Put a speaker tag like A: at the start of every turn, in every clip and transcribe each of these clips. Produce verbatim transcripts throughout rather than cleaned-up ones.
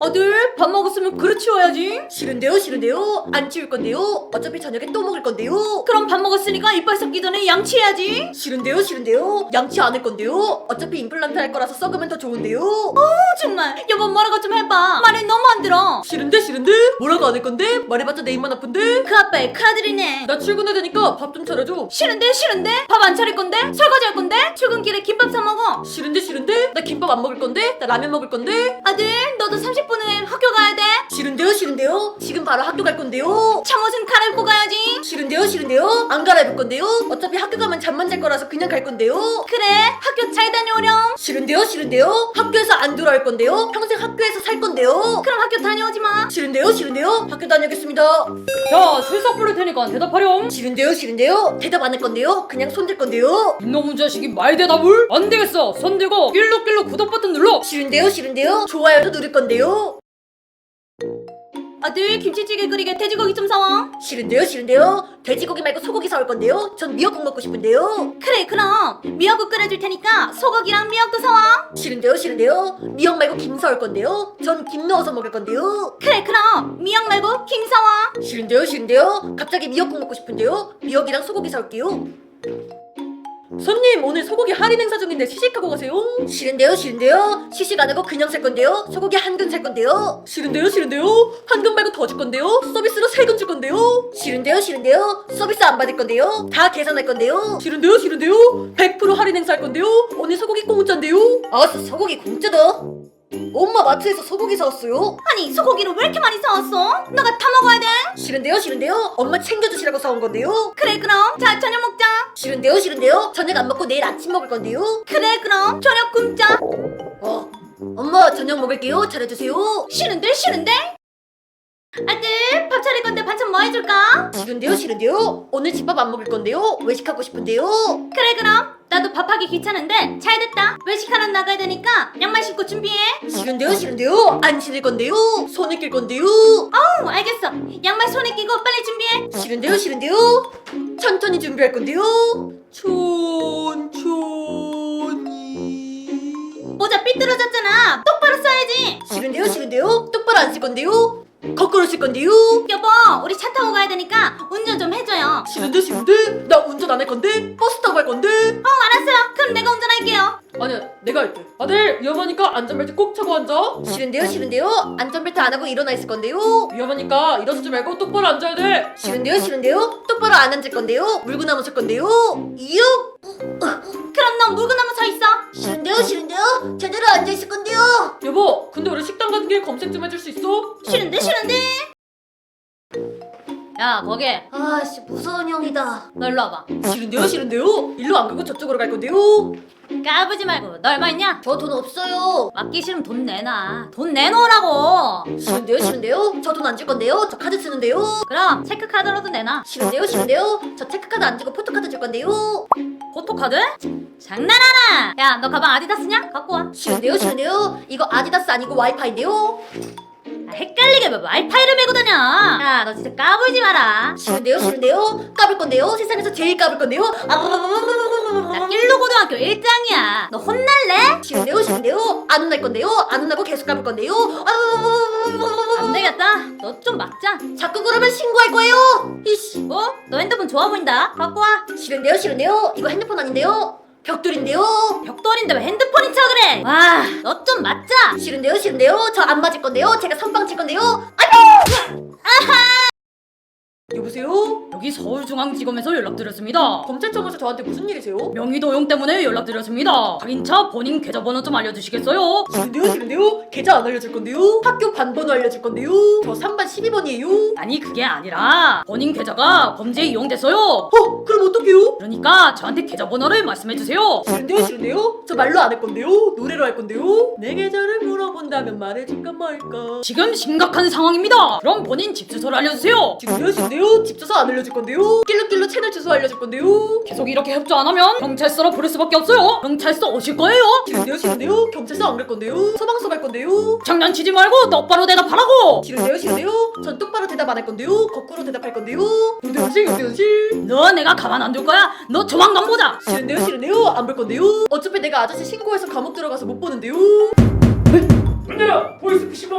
A: 아들 밥 먹었으면 그릇 치워야지.
B: 싫은데요 싫은데요 안 치울 건데요. 어차피 저녁에 또 먹을 건데요.
A: 그럼 밥 먹었으니까 이빨 썩기 전에 양치해야지.
B: 싫은데요 싫은데요 양치 안 할 건데요. 어차피 임플란트 할 거라서 썩으면 더 좋은데요.
A: 어, 정말 여보 뭐라고 좀 해봐. 말이 너무 안 들어.
B: 싫은데 싫은데 뭐라고 안 할 건데. 말해봤자 내 입만 아픈데.
A: 그 아빠의 큰아들이네.
B: 나 출근해야 되니까 밥 좀 차려줘.
A: 싫은데 싫은데 밥 안 차릴 건데 설거지 할 건데 출근길에 김밥 사 먹어.
B: 싫은데 싫은데 나 김밥 안 먹을 건데. 나 라면 먹을 건데.
A: 아들 너도 삼십 분 후에 학교 가야 돼.
B: 싫은데요 싫은데요 지금 바로 학교 갈 건데요.
A: 잠옷은 갈아입고 가야지.
B: 싫은데요 싫은데요 안 갈아입을 건데요. 어차피 학교 가면 잠만 잘 거라서 그냥 갈 건데요.
A: 그래 학교 잘 다녀오렴.
B: 싫은데요 싫은데요 학교에서 안 돌아올 건데요. 평생 학교에서 살 건데요.
A: 그럼 학교 다녀오지 마.
B: 싫은데요 싫은데요 학교 다녀오겠습니다.
A: 야 출석 부를 테니까 대답하렴.
B: 싫은데요 싫은데요 대답 안 할 건데요. 그냥 손댈 건데요.
A: 이놈의 자식이 말 대답을? 안 되겠어. 손 들고 일룩일룩 구독 버튼 눌러.
B: 싫은데요 싫은데요 좋아요도 누를 건데요.
A: 아들 김치찌개 끓이게 돼지고기 좀 사와.
B: 싫은데요 싫은데요 돼지고기 말고 소고기 사올 건데요. 전 미역국 먹고 싶은데요.
A: 그래 그럼 미역국 끓여줄 테니까 소고기랑 미역도 사와.
B: 싫은데요 싫은데요 미역 말고 김 사올 건데요. 전 김 넣어서 먹을 건데요.
A: 그래 그럼 미역 말고 김 사와.
B: 싫은데요 싫은데요 갑자기 미역국 먹고 싶은데요. 미역이랑 소고기 사올게요. 손님 오늘 소고기 할인 행사 중인데 시식하고 가세요. 싫은데요 싫은데요 시식 안 하고 그냥 살 건데요. 소고기 한 근 살 건데요. 싫은데요 싫은데요 한 근 말고 더 줄 건데요. 서비스로 세 근 줄 건데요. 싫은데요 싫은데요 서비스 안 받을 건데요. 다 계산할 건데요. 싫은데요 싫은데요 백 퍼센트 할인 행사 할 건데요. 오늘 소고기 공짜인데요. 아 소고기 공짜다. 엄마 마트에서 소고기 사왔어요.
A: 아니 소고기를 왜 이렇게 많이 사왔어? 너가 다 먹어야 돼.
B: 싫은데요 싫은데요 엄마 챙겨주시라고 사온 건데요.
A: 그래 그럼 자 저녁 먹자.
B: 싫은데요 싫은데요 저녁 안 먹고 내일 아침 먹을 건데요.
A: 그래 그럼 저녁 굶자.
B: 어 엄마 저녁 먹을게요. 잘해주세요.
A: 싫은데 싫은데? 아들 밥 차릴 건데 반찬 뭐 해줄까?
B: 싫은데요 싫은데요 오늘 집밥 안 먹을 건데요. 외식하고 싶은데요.
A: 그래 그럼 나도 밥하기 귀찮은데 잘 됐다. 외식하러 나가야 되니까 양말 신고 준비해.
B: 싫은데요 싫은데요 안 신을 건데요. 손에 낄 건데요.
A: 어 알겠어. 양말 손에 끼고 빨리 준비해.
B: 싫은데요 싫은데요 천천히 준비할 건데요. 천천히.
A: 모자 삐뚤어졌잖아. 똑바로 써야지.
B: 싫은데요 싫은데요 똑바로 안 쓸 건데요. 거꾸로 쓸 건데요.
A: 여보 우리 차 타고 가야 되니까 운전 좀 해줘요.
B: 싫은데 싫은데 나 운전 안 할 건데. 버스 타고 갈 건데.
A: 어 알았어요. 그럼 내가 운전할게요.
B: 아니야 내가 할게. 아들 위험하니까 안전벨트 꼭 차고 앉아. 싫은데요 싫은데요 안전벨트 안 하고 일어나 있을 건데요. 위험하니까 일어서지 말고 똑바로 앉아야 돼. 싫은데요 싫은데요 똑바로 안 앉을 건데요. 물구나무 설 건데요. 이유.
A: 그럼 넌 물구나무 서 있어.
B: 싫은데요 싫은데요 제대로 앉아 있을 건데요. 여보 근데 우리 식당 가는 길 검색 좀 해줄 수 있어?
A: 싫은데 싫은데. 야 거기
B: 아씨 무서운 형이다.
A: 너 일로 와봐.
B: 싫은데요 싫은데요 일로 안 가고 저쪽으로 갈 건데요.
A: 까부지 말고 너 얼마 있냐?
B: 저 돈 없어요.
A: 맡기 싫으면 돈 내놔. 돈 내놓으라고.
B: 싫은데요 싫은데요 저 돈 안 줄 건데요. 저 카드 쓰는데요.
A: 그럼 체크카드로도 내놔.
B: 싫은데요 싫은데요 저 체크카드 안 주고 포토카드 줄 건데요.
A: 포토카드? 장난하나? 야 너 가방 아디다스냐? 갖고 와.
B: 싫은데요 싫은데요 이거 아디다스 아니고 와이파이인데요.
A: 아, 헷갈리게 왜 와이파이를 메고 다녀. 야 너 진짜 까불지 마라.
B: 싫은데요 싫은데요 까불 건데요. 세상에서 제일 까불 건데요.
A: 나 낄로고등학교 일 장이야. 너 혼날래?
B: 싫은데요 싫은데요 안 혼날 건데요. 안 혼나고 계속 까불 건데요.
A: 안 되겠다. 너 좀 막자.
B: 자꾸 그러면 신고할 거예요. 이씨.
A: 어? 너 핸드폰 좋아 보인다. 갖고 와.
B: 싫은데요 싫은데요 이거 핸드폰 아닌데요. 벽돌인데요.
A: 벽돌인데 왜 핸드폰인 척을 해? 와, 너 좀 맞자.
B: 싫은데요 싫은데요 저 안 맞을 건데요. 제가 선빵 칠 건데요. 여보세요?
A: 여기 서울중앙지검에서 연락드렸습니다.
B: 검찰청에서 저한테 무슨 일이세요?
A: 명의도용 때문에 연락드렸습니다. 할인차 본인 계좌번호 좀 알려주시겠어요?
B: 싫은데요 싫은데요 계좌 안 알려줄 건데요. 학교 반번호 알려줄 건데요. 저 삼 반 십이 번이에요.
A: 아니 그게 아니라 본인 계좌가 범죄에 이용됐어요.
B: 어? 그럼 어떡해요?
A: 그러니까 저한테 계좌번호를 말씀해주세요.
B: 싫은데요 싫은데요 저 말로 안 할 건데요. 노래로 할 건데요. 내 계좌를 물어본다면 말해줄까 말까.
A: 지금 심각한 상황입니다. 그럼 본인 집 주소를 알려주세요.
B: 싫은데요 싫은데요 집 주소 안 알려줄 건데요. 낄룩낄룩 채널 주소 알려줄 건데요.
A: 계속 이렇게 협조 안 하면 경찰서로 부를 수밖에 없어요. 경찰서 오실 거예요?
B: 싫은데요 싫은데요 경찰서 안 갈 건데요. 소방서 갈 건데요.
A: 장난치지 말고 똑바로 대답하라고.
B: 싫은데요 싫은데요 전 똑바로 대답 안 할 건데요. 거꾸로 대답할 건데요. 유대현씨 유대현씨.
A: 너 내가 가만 안 둘 거야? 너 조만간 보자.
B: 싫은데요 싫은데요 안 볼 건데요. 어차피 내가 아저씨 신고해서 감옥 들어가서 못 보는데요.
C: 문제라 보이스피싱범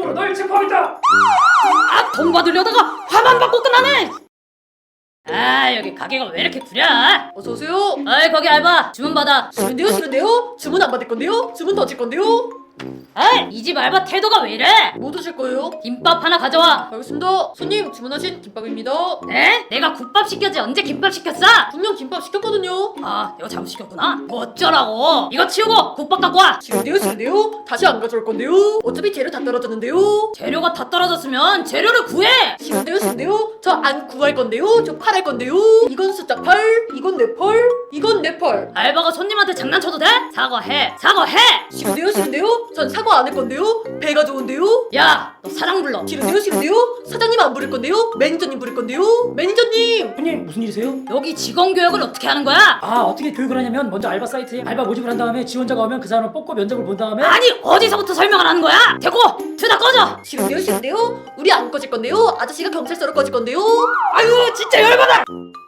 C: 중으로 널 체포하겠다.
A: 아, 돈 받으려다가 화만 받고 끝나네. 아, 여기 가게가 왜 이렇게 구려?
B: 어서 오세요.
A: 아이, 거기 알바 주문 받아.
B: 싫은데요, 싫은데요? 주문 안 받을 건데요? 주문 더 질 건데요?
A: 아이, 이 집 알바 태도가 왜 이래?
B: 뭐 드실 거예요?
A: 김밥 하나 가져와.
B: 알겠습니다. 손님 주문하신 김밥입니다.
A: 네? 내가 국밥 시켰지 언제 김밥 시켰어?
B: 분명 김밥 시켰거든요.
A: 아, 내가 잘못 시켰구나. 뭐 어쩌라고? 이거 치우고 국밥 갖고 와.
B: 싫은데요, 싫은데요? 다시 안 가져올 건데요? 어차피 재료 다 떨어졌는데요.
A: 재료가 다 떨어졌으면 재료를 구해.
B: 싫은데요, 싫은데요? 저 안 구할 건데요? 저 팔할 건데요? 이건 숫자 팔, 이건 내 펄, 이건 내 펄.
A: 알바가 손님한테 장난쳐도 돼? 사과해. 사과해.
B: 싫은데요, 싫은데요? 전 사과 안 할 건데요? 배가 좋은데요?
A: 야, 너 사장 불러.
B: 싫은데요, 싫은데요? 사장님 안 부를 건데요? 매니저님 부를 건데요? 매니저님!
C: 손님 무슨 일이세요?
A: 여기 직원 교육을 어떻게 하는 거야?
C: 아 어떻게 교육을 하냐면 먼저 알바 사이트에 알바 모집을 한 다음에 지원자가 오면 그 사람을 뽑고 면접을 본 다음에
A: 아니, 어디서부터 설명을 하는 거야? 됐고, 둘 다 꺼져.
B: 싫은데요, 싫은데요? 우리 안 꺼질 건데요? 아저씨가 경찰서로 꺼질 건데요?
A: 아유, 진짜 열받아.